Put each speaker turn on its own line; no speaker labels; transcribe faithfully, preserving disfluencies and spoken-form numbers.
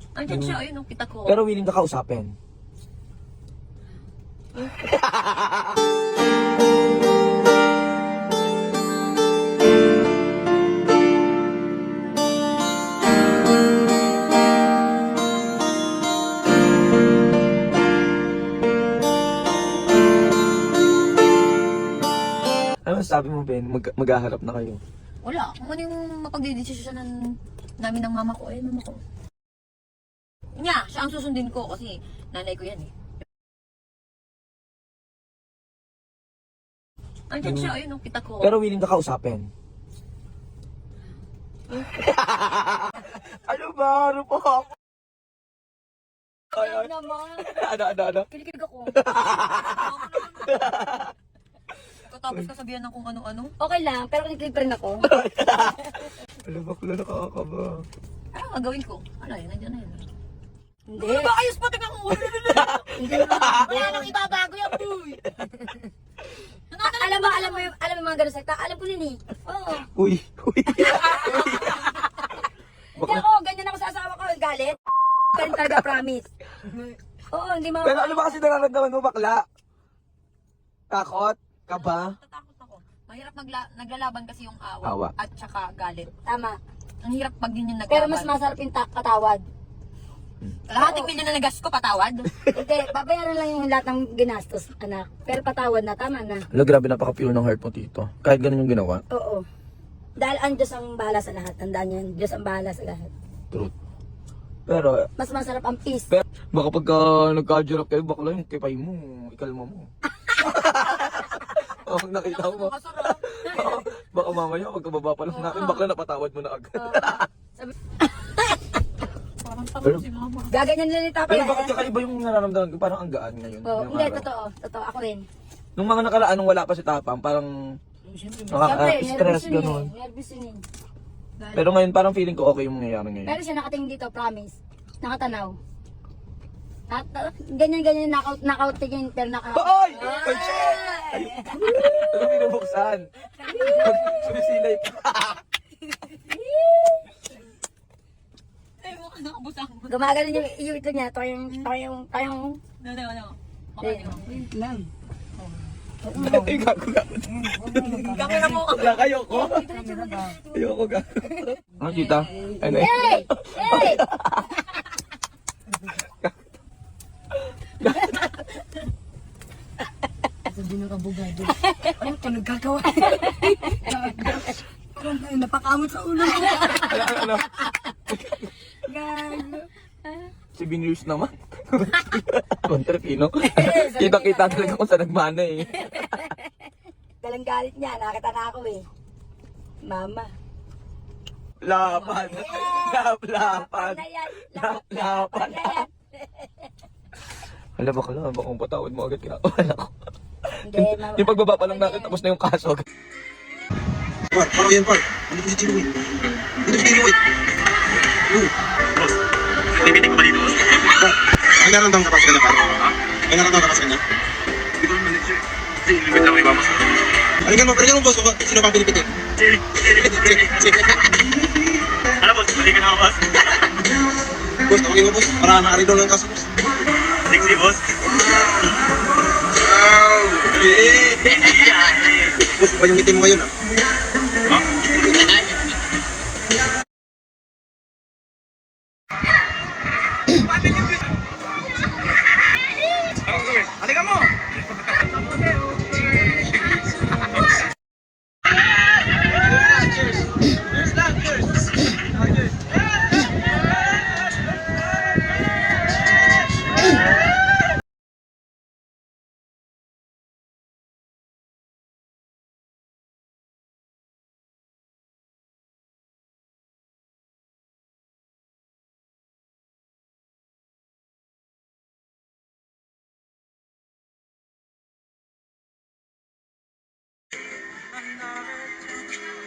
Andiyan siya, ayun, kita ko.
Pero willing ka kausapin. Ano sabi mo, Ben? Mag maghaharap na kayo.
Wala, kung ano yung mapagdidesisyonan namin ng mama ko, ay mama ko. Niya, siya ang susundin ko kasi nanay ko yan eh. Andiyan siya, ayun, kita ko.
Pero willing ka kausapin. Ano ba? Ano po ako?
Ay, naman.
Ano, ano, ano?
Kinikilig ako. Tapos kasabihan ng kung ano-ano.
Okay lang, pero kinikilig pa rin ako.
Ano ba kula nakakakaba?
Ano ang gagawin ko? Ano yun, nandiyan na yun.
Hindi.
Ano ba ayos pa tingnan ko?
Hindi naman.
Wala nang ibabago yan, boy.
A- alam mo, alam mo, yung- alam mo yung mga ganun salita? Alam ko din eh. Oo.
Uy, uy.
Hindi ako, ganyan ako sa asawa ko. Galit. Pa rin talaga, promise. Oo, hindi mo.
Pero ano ba kasi nararamdaman mo, bakla? Takot? Kaba?
Tatakot ako. Mahirap magla naglalaban kasi yung awa,
Awa.
at saka galit.
Tama.
Ang hirap pag yun yung naglaban.
Pero mas masarap yung ta- patawad.
Kalahating milyon na nagas ko, patawad.
Hindi, babayaran lang yung lahat ng ginastos, anak. Pero patawad na, tama na.
Ano, grabe napaka-pure ng heart mo, tito. Kahit ganun yung ginawa.
Oo. Dahil ang Diyos ang bahala sa lahat. Tandaan niyo, ang Diyos ang bahala sa lahat.
Truth. Pero,
Mas masarap ang peace.
pero baka pagka nagka-jarap kayo, bakla yung kipay mo, ikalma mo. Oh, nakita mo.
Masarap.
Baka mamaya, pagkababa pa lang natin, bakla napatawad mo na agad.
Parang tama si mama.
Gaganyan nila ni Tapa.
Pero bakit kakaiba yung nararamdaman ko? Parang ang gaan ngayon.
Oo,
ngayong
hindi,
araw.
totoo. Totoo, ako rin.
Nung mga nakaraan, nung wala pa si Tapang, parang
Siyempre,
nakaka-stress,
nervous yun
ganun.
eh. Nervous yun eh.
Pero ngayon, parang feeling ko okay yung mangyayari ngayon.
Pero siya nakatingin dito, promise. Nakatanaw. At, uh, ganyan-ganyan, knockout, knockout tingin, pero naka...
Hoy! Ay, shit! Ay, ano binubuksan? Pag sumisilay pa.
Ay, mukha nakabusang mo.
Gumagano yung, yung ito niya, toyong, toyong, toyong...
No, no, no. Okay, no.
Lang.
Ay, gago, gago.
Kamera mo.
Wala kayo ko. Ayoko ga. Ano, tita? Ano eh?
Hey! Hey!
Sabi ng abogado.
Ano ka nagkagawa? Napakamot sa ulo.
Ano, ano, ano?
Gago.
Si Binus naman. Kontrapino. Kita-kita talaga kung saan nagmana eh.
Dalang galit niya, nakita na ako eh. Mama.
Lapan. Lap, lapan.
Na yan.
Lap, lapan.
Na yan.
Hala, baka lang, baka kung patawad mo agad kinakabahan ako.
Hindi, mama.
Yung pagbaba pa lang natin, tapos na yung kaso.
Par, parang yan, par. Dito si Chino, eh. Dito si Chino, eh. Oo.
Boss, tinipitik ko ba dito, boss?
Par, may naramdaman ka pa sa kanya, par? May naramdaman ka pa sa kanya?
Hindi ko naman sir. Kasi ilibit lang iba, boss.
Ano ganun, pero ganun, boss. Sino pa pinipitin?
Sir,
Sige.
ano, boss? Balik ka na ako, boss.
Boss, tawagin mo, boss. Para maaari daw ng kaso, boss.
Sexy, boss.
Wow! Eh! Boss, ba yung ngiti mo ngayon, ah?
Ha? Anong gawin? Halika mo!
Another